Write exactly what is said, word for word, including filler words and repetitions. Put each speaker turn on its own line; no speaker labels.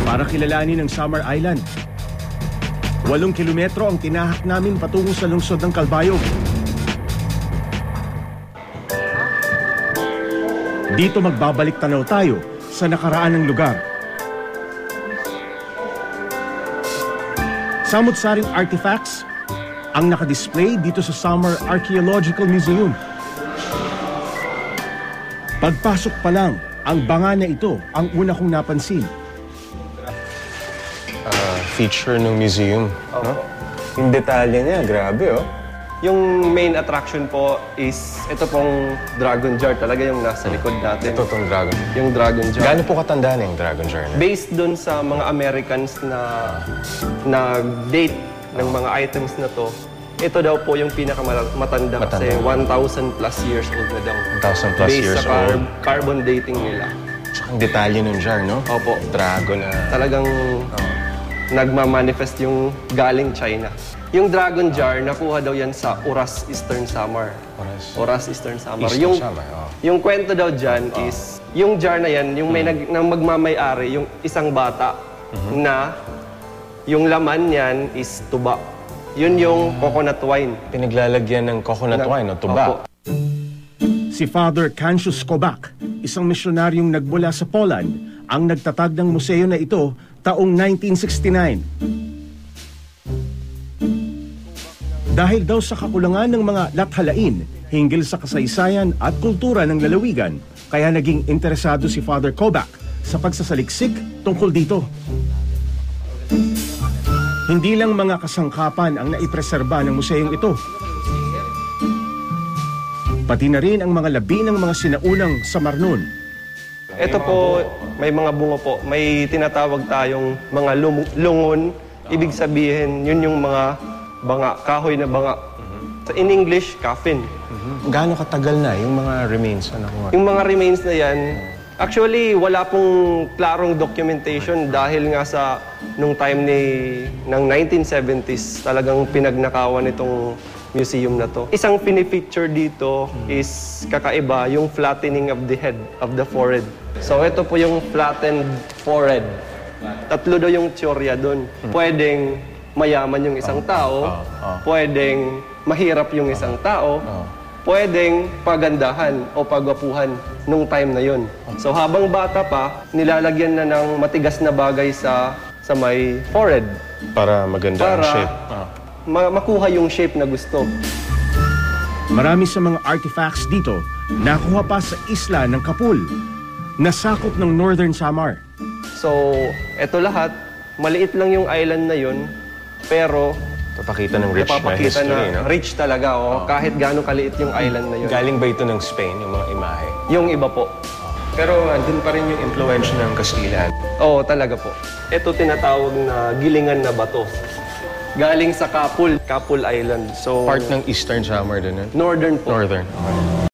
para kilalanin ang Samar Island. Walong kilometro ang tinahak namin patungo sa lungsod ng Calbayog. Dito magbabalik tanaw tayo sa nakaraan ng lugar. Samut-saring artifacts ang nakadisplay dito sa Samar Archaeological Museum. Pagpasok pa lang, ang banga na ito ang una kong napansin.
Uh, feature ng museum. Oh. No? Yung detalye niya, grabe oh.
Yung main attraction po is ito pong dragon jar talaga yung nasa likod natin.
Ito tong dragon.
Yung dragon jar.
Gaano po katanda na yung dragon jar na?
Based dun sa mga Americans na na date ng mga items na to, ito daw po yung pinakamatanda kasi one thousand plus years old na daw.
one thousand plus
Based
years
sa car
old.
carbon dating nila.
Tsaka ang detalye ng jar, no?
Opo.
Dragon na...
Talagang
Oh.
nagmamanifest yung galing China. Yung dragon jar, nakuha daw yan sa Oras, Eastern Samar.
Oras.
Oras, Eastern Samar.
Eastern
yung,
Samar, oh.
yung kwento daw dyan oh. is, yung jar na yan, yung may nag, nang magmamay-ari, yung isang bata mm-hmm. na yung laman niyan is tuba. Yun yung coconut wine.
Pinaglalagyan ng coconut
Na,
wine o tuba.
Opo.
Si Father Cancius Kobak, isang misyonaryong nagmula sa Poland, ang nagtatag ng museo na ito taong nineteen sixty-nine. Dahil daw sa kakulangan ng mga lathalain hinggil sa kasaysayan at kultura ng lalawigan, kaya naging interesado si Father Kobak sa pagsasaliksik tungkol dito. Hindi lang mga kasangkapan ang naipreserba ng museyong ito. Pati na rin ang mga labi ng mga sinaunang Samarnon.
Ito po, may mga bunga po. May tinatawag tayong mga lum- lungon. Ibig sabihin, yun yung mga banga, kahoy na banga. Mm-hmm. In English, coffin.
Mm-hmm. Gaano katagal na yung mga remains? Ano ko?
Yung mga remains na yan, actually, wala pong klarong documentation dahil nga sa nung time ni ng nineteen seventies, talagang pinagnakawan itong museum na to. Isang pinifeature dito is kakaiba, yung flattening of the head, of the forehead. So ito po yung flattened forehead. Tatlo daw yung teorya doon. Pwedeng mayaman yung isang tao, pwedeng mahirap yung isang tao, pwedeng pagandahan o pagwapuhan nung time na yun. So habang bata pa, nilalagyan na ng matigas na bagay sa sa may forehead.
Para maganda
Para
ang shape. Ah.
ma- makuha yung shape na gusto.
Marami sa mga artifacts dito nakuha pa sa isla ng Kapul, nasakop ng Northern Samar.
So, eto lahat, maliit lang yung island na yun, pero
Papakita ng rich na
napapakita
history,
na
no?
rich talaga, oh, kahit gaano kaliit yung island na yun.
Galing ba ito ng Spain, yung mga imahe?
Yung iba po.
Pero andun pa rin yung influence ng Kastilan.
Oo, talaga po. Ito tinatawag na gilingan na bato. Galing sa Kapul, Kapul Island. So,
Part ng Eastern Samar din, eh?
northern po.
Northern. Okay.